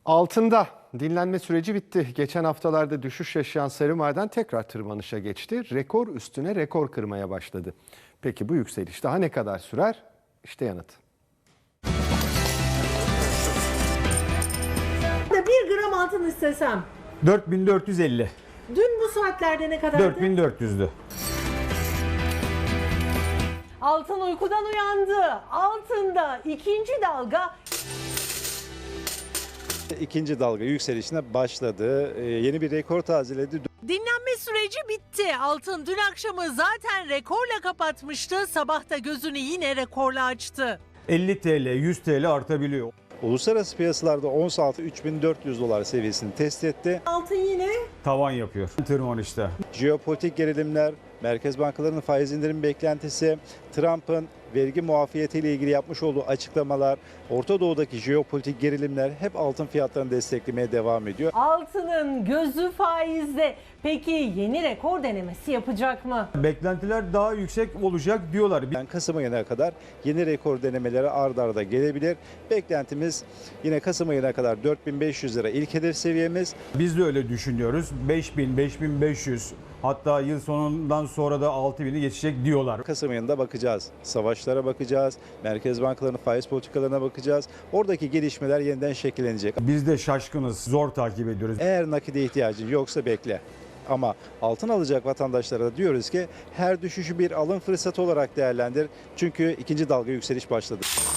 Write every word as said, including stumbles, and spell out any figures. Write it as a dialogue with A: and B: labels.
A: Altında dinlenme süreci bitti. Geçen haftalarda düşüş yaşayan sarı maden tekrar tırmanışa geçti. Rekor üstüne rekor kırmaya başladı. Peki bu yükseliş daha ne kadar sürer? İşte yanıt.
B: Bir gram altın istesem
C: dört bin dört yüz elli.
B: dün bu saatlerde ne kadardı?
C: dört bin dört yüzdü.
B: Altın uykudan uyandı. Altında ikinci dalga.
D: İkinci dalga yükselişine başladı. Ee, yeni bir rekor tazeledi.
E: Dinlenme süreci bitti. Altın dün akşamı zaten rekorla kapatmıştı. Sabah da gözünü yine rekorla açtı.
C: elli TL, yüz TL artabiliyor.
D: Uluslararası piyasalarda ons altı üç bin dört yüz dolar seviyesini test etti.
B: Altın yine
C: Tavan yapıyor tırmanışta.
D: Jeopolitik gerilimler, merkez bankalarının faiz indirim beklentisi, Trump'ın vergi muafiyetiyle ilgili yapmış olduğu açıklamalar, Orta Doğu'daki jeopolitik gerilimler hep altın fiyatlarını desteklemeye devam ediyor.
B: altının gözü faizde. Peki yeni rekor denemesi yapacak mı?
C: Beklentiler daha yüksek olacak diyorlar.
D: Yani Kasım ayına kadar yeni rekor denemeleri ard arda gelebilir. Beklentimiz yine Kasım ayına kadar dört bin beş yüz lira ilk hedef seviyemiz.
C: Biz de öyle düşünüyoruz. beş bin, beş bin beş yüz, hatta yıl sonundan sonra da altı bini geçecek diyorlar.
D: Kasım ayında bakacağız. Savaşlara bakacağız. Merkez bankalarının faiz politikalarına bakacağız. Oradaki gelişmeler yeniden şekillenecek.
C: Biz de şaşkınız, zor takip ediyoruz.
D: Eğer nakide ihtiyacın yoksa bekle. Ama altın alacak vatandaşlara da diyoruz ki her düşüşü bir alım fırsatı olarak değerlendir. Çünkü ikinci dalga yükseliş başladı.